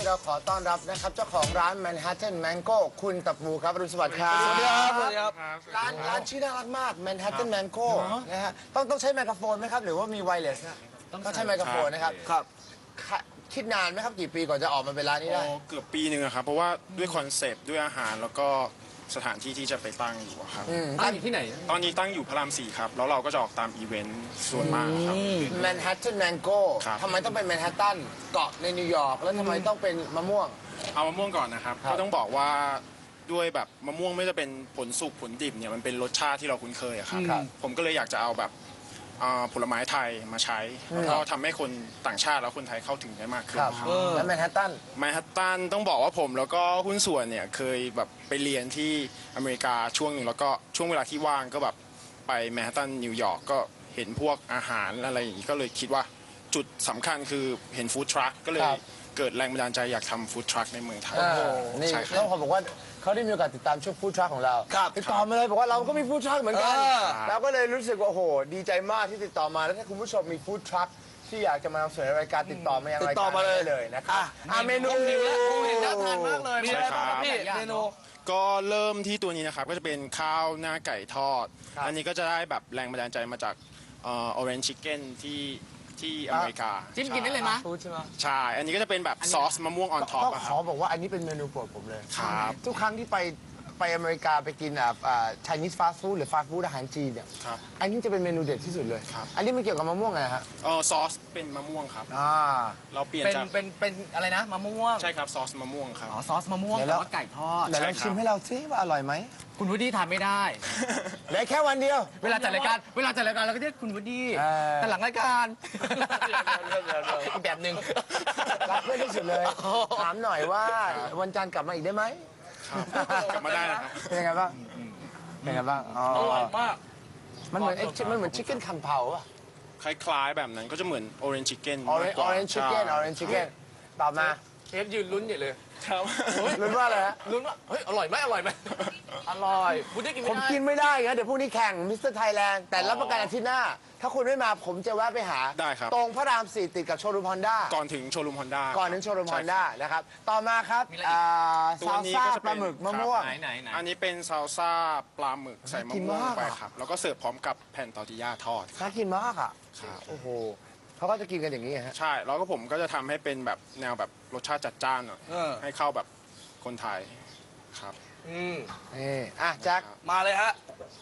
เราขอต้อนรับนะครับเจ้าของร้าน Manhattan Mango คุณตับปูครับอรุณสวัสดิ์ครับสวัสดีครับสวัสดีครับร้านชื่อน่ารักมาก Manhattan Mango นะฮะต้องใช้ไมโครโฟนไหมครับ หรือว่ามีไวเลสนะต้องใช้ไมโครโฟนนะครับครับคิดนานไหมครับกี่ปีก่อนจะออกมาเป็นร้านนี้ได้เกือบปีหนึ่งอะครับเพราะว่าด้วยคอนเซปต์ด้วยอาหารแล้วก็สถานที่ที่จะไปตั้งอยู่อะครับตั้งอยู่ที่ไหนตอนนี้ตั้งอยู่พระราม 4ครับแล้วเราก็จะออกตามอีเวนต์ส่วนมากครับ Manhattan Mango ครับทำไมต้องเป็น Manhattan เกาะในนิวยอร์กแล้วทำไมต้องเป็นมะม่วงเอามะม่วงก่อนนะครับครับก็ต้องบอกว่าด้วยแบบมะม่วงไม่จะเป็นผลสุกผลดิบเนี่ยมันเป็นรสชาติที่เราคุ้นเคยอะครับครับผมก็เลยอยากจะเอาแบบผลไม้ไทยมาใช้แล้วก็ทำให้คนต่างชาติแล้วคนไทยเข้าถึงได้มากขึ้นครับครับแล้ว Manhattan แมนฮัตตันต้องบอกว่าผมแล้วก็หุ้นส่วนเนี่ยเคยแบบไปเรียนที่อเมริกาช่วงหนึ่งแล้วก็ช่วงเวลาที่ว่างก็แบบไปแมนฮัตตันนิวยอร์กก็เห็นพวกอาหารอะไรอย่างนี้ก็เลยคิดว่าจุดสำคัญคือเห็นฟู้ดทรัคก็เลยครับเกิดแรงบันดาลใจอยากทำฟู้ดทรัคในเมืองไทยนี่ใช่คต้รัอบ งขอบอกว่าเขาได้มีโอกาสติดตามช่วงฟู้ดทรัคของเราครับติดต่อมาเลยบอกว่าเราก็มีฟู้ดทรัคเหมือนกันอ่าเราก็เลยรู้สึกว่าโอ้โหดีใจมากที่ติดต่อมาแล้วถ้าคุณผู้ชมมีฟู้ดทรัคที่อยากจะมานำเสนอรายการติดต่อมายังติราดยต่กาอรมาเลยได้เลยนะครับเมนูผมหิวแล้วผมเห็นน่าทานมากเลย มีอะไรบ้างครับพี่ใช่ครับเมนูก็เริ่มที่ตัวนี้นะครับก็จะเป็นข้าวหน้าไก่ทอด อันนี้ก็จะได้แบบแรงบันดาลใจมาจากorange chicken ที่อเมริกาจิ้มกินได้เลยมะฟู้ดใช่ไหมใช่ อันนี้ก็จะเป็นแบบซอสมะม่วงออนท็อปต้องอะคขรัอบ บอกว่าอันนี้เป็นเมนูโปรดผมเลยครับทุกครั้งที่ไปอเมริกาไปกินChinese fast food หรือ fast food อาหารจีนเนี่ยครับอันนี้จะเป็นเมนูเด็ดที่สุดเลยครับอันนี้มันเกี่ยวกับมะม่วงไงฮะซอสเป็นมะม่วงครับอ่าเราเปลี่ยนเป็นจากเป็นอะไรนะมะม่วงใช่ครับซอสมะม่วงครับอ๋อซอสมะม่วงเดี๋ยวแต่แล้วว่าไก่ทอดเดี๋ยวลองใช่ครับชิมให้เราซิว่าอร่อยไหมคุณวูดดี้ทานไม่ได้เหลือแค่วันเดียวเวลาจัดรายการเราก็เรียกคุณวูดดี้เออแต่หลังรายการอีกแบบหนึ่งรักเพื่อนที่สุดเลย ถามหน่อยว่าวันจันทร์กลับมาอีกได้ไหมกลับมาได้นะครับเป็นยังไงบ้าง เป็นยังไงบ้างอ๋ออร่อยมากมันเหมือนมันเหมือนชิคเก้นคัมเผาป่ะคล้ายๆแบบนั้นก็จะเหมือน orange chicken มากกว่า orange chicken ใช่ orange chicken ตอบมาเชฟยืนลุ้นใหญ่เลยครับรู้ว่าอะไรฮะลุ้นว่าเฮ้ยอร่อยไหมอร่อยไหมอร่อยวูดดี้กินผไม่มได้กินไม่ได้ครับเดี๋ยวพรุ่งนี้แข่งมิสเตอร์ไทยแลนด์แต่รับประกันอาทิตย์หน้า ถ้าคุณไม่มาผมจะแวะไปหาได้ครับตรงพระราม 4 ติดกับโชว์รูมฮอนด้าก่อนถึงโชว์รูมฮอนด้าก่อนถึงโชว์รูมฮอนด้านะครับ ต่อมาครับมีอะไรอีกตัวซาลนี้ซ่าก็จะปเป็นลาหมึกมะม่วงไหนอันนี้เป็นซาลซ่าปลาหมึกใส่มะน่ากินม่วงมากไปครับ แล้วก็เสิร์ฟพร้อมกับแผ่นตอร์ติญาทอดครับน่ากินมากอ่ะครับโอ้โหเขาก็จะกินกันอย่างนี้ฮะใช่ แล้วก็ผมก็จะทำให้เป็นแบบแนวแบบรสชาติจัดจ้านหน่อยเออให้เข้าแบบคนไทยครับนี่อ่ะแจ็คมาเลยฮะ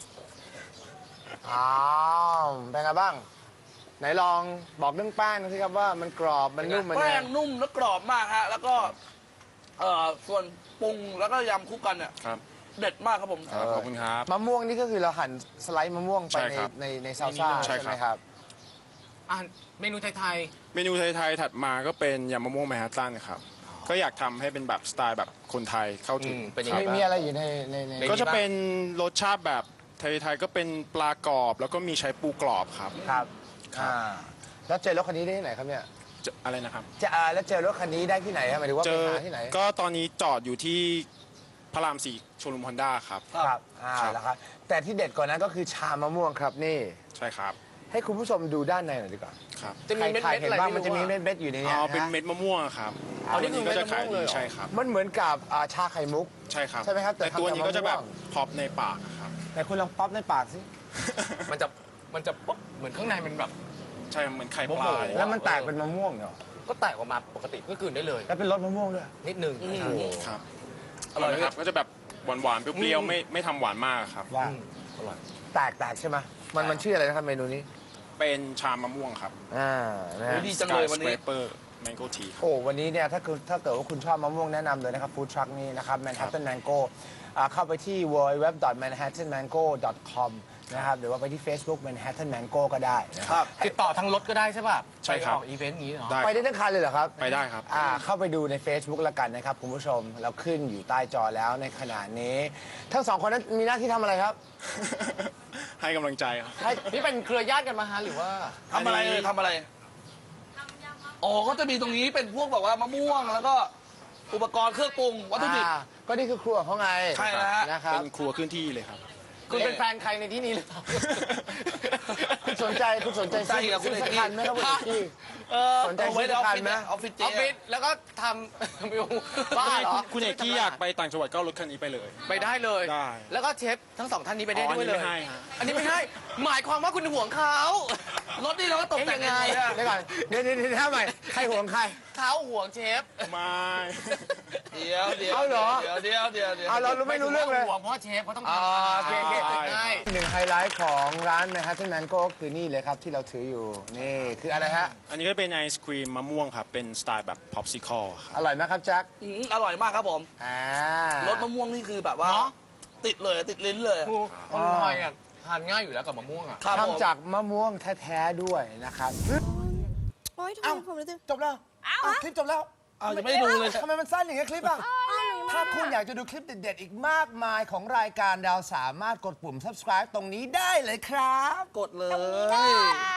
อ้าวเป็นไงบ้าง ไหนลองบอกเรื่องแป้งหน่อยสิครับว่ามันกรอบมันนุ่มมันแป้ไงงนุ่มและกรอบมากฮะ แล้วก็ส่วนปรุงแล้วก็ยำคู่กันเนี่ยครับเด็ดมากครับผมครับขอบคุณครับมะม่วงนี่ก็คือเราหั่นสไลด์มะม่วงไปใช่ครับในซาลซ่าใช่ใช่ครับไหมครับเมนูไทยเมนูไทยๆถัดมาก็เป็นยำมะม่วงแมนฮัตตันครับ ก็อยากทำให้เป็นแบบสไตล์แบบคนไทยเข้าถึงเป็นยังไงมีอะไรอยู่ในก็จะเป็นรสชาติแบบไทยๆก็เป็นปลากรอบ แล้วก็มีใช้ปูกรอบครับครับครับแล้วเจอรถคันนี้ได้ที่ไหนครับเนี่ยอะไรนะครับแล้วเจอรถคันนี้ได้ที่ไหนครับหมายถึงว่าเจไปอหาที่ไหนก็ตอนนี้จอดอยู่ที่พระราม 4 โชว์รูมฮอนด้าครับครับครับแล้วครับแต่ที่เด็ดกว่านั้นก็คือชามะม่วงครับนี่ใช่ครับให้คุณผู้ชมดูด้านในหน่อยดีกว่าครับจะมีเม็ดใครๆเห็นอะไรบ้างไม่มันจะมีรู้อะเม็ดๆอยู่ในเนี้ยเป็นนะฮะเม็ดมะม่วงครับอ๋อนี่ตัวนี้ก็จะขายคือเม็ดมะม่วงเลยเหรอดีใช่ครับมันเหมือนกับชาไข่มุกใช่ครับใช่ไหมครับแต่แต่ตัวนี้ก็จะแบบทำจากมะม่วงพอปในปากครับแต่คุณลองป๊อปในปากสิมันจะปุ๊บเหมือนข้างในมันแบบใช่เหมือนไข่ปโอ้ลาโหเลยแล้วมันแตกเป็นมะม่วงเหรอก็แตกออกมาปกติก็กลืนได้เลยแล้วเป็นรสมะม่วงด้วยนิดนึงครับอร่อยนะครับก็จะแบบหวานๆเปรี้ยวๆไม่ทำหวานมากครับว่าอร่อยแตกใช่ไหมมันชื่ออะไรนะครับเมนูนี้เป็นชามะม่วงครับนะฮะดีจังเลยวันนี้สเปอร์แมงโก้ทีครับโอ้วันนี้เนี่ยถ้าเกิดว่าคุณชอบมะม่วงแนะนำเลยนะครับฟู้ดทรัคนี้นะครับ Manhattan Mango เข้าไปที่ www.manhattanmango.com นะครับหรือว่าไปที่ Facebook Manhattan Mango ก็ได้นะครับติดต่อทางรถก็ได้ใช่ป่ะใช่ครับไปออกอีเวนต์อย่างนี้เหรอได้ไปได้ทั้งคันเลยเหรอครับไปได้ครับเข้าไปดูใน Facebook ละกันนะครับคุณผู้ชมเราขึ้นอยู่ใต้จอแล้วในขณะนี้ ทั้งสองคนนั้นมีหน้าที่ทำอะไรครับให้กำลังใจครับนี่เป็นเครือญาติกันมาฮะหรือว่าทำอะไรเลยทำอะไรอ๋อก็จะมีตรงนี้เป็นพวกแบบว่ามะม่วงแล้วก็อุปกรณ์เครื่องปรุงวัตถุดิบก็นี่คือครัวของเขาไงใช่แล้วฮะนะครับเป็นครัวขึ้นที่เลยครับคุณเป็นแฟนใครในที่นี้หรือเปล่าคุณสนใจซื้อคุณสักคันไหมครับคุณที่ สนใจเอาไว้ในออฟฟิศซื้อสักคันไหมเนี่ยออฟฟิศอเจ๊อฟฟิศแล้วก็ทำวิวบ้าเหรอคุณเอกกี้อยากไปต่างจังหวัดก็เอารถคันนี้ไปเลยไปได้เลยได้แล้วก็เชฟทั้งสองท่านนี้ไปได้อ๋อด้วยเลยอันนี้ไม่ให้ฮะอันนี้ไม่ให้ หมายความว่าคุณห่วงเขารถนี่เราก็ตกแต่งเอ๊ะยังไงเดี๋ยวก่อนเดี๋ยวทำไมใครห่วงใครเขาห่วงเชฟไม่เดี๋ยวเอาเหรอเดี๋ยวเอาเราไม่รู้เรื่องเลยห่วงเพราะว่าเชฟเขาต้องอ่าทำโอเคใช่หนึ่งไฮไลท์ของร้าน Manhattan Mango ก็คือนี่เลยครับที่เราถืออยู่นี่คืออะไรฮะอันนี้ก็เป็นไอศครีมมะม่วงครับ เป็นสไตล์แบบพ็อปซิคอลครับอร่อยไหมครับแจ็คอร่อยมากครับผมอ่ารสมะม่วงนี่คือแบบว่า ติดเลยติดลิ้นเลยอร่อยอ่ะทานง่ายอยู่แล้วกับมะม่วงอ่ะครับผมทำจากมะม่วงแท้ๆด้วยนะครับโอ๊ยทำไมผมรู้สึกจบแล้วคลิปจบแล้วเอายังไม่ได้ดูเลยทำไมมันสั้นอย่างเงี้ยคลิปอ่ะ ถ้าคุณอยากจะดูคลิปเด็ดๆ อีกมากมายของรายการดาวสามารถกดปุ่ม subscribe ตรงนี้ได้เลยครับกดเลยได้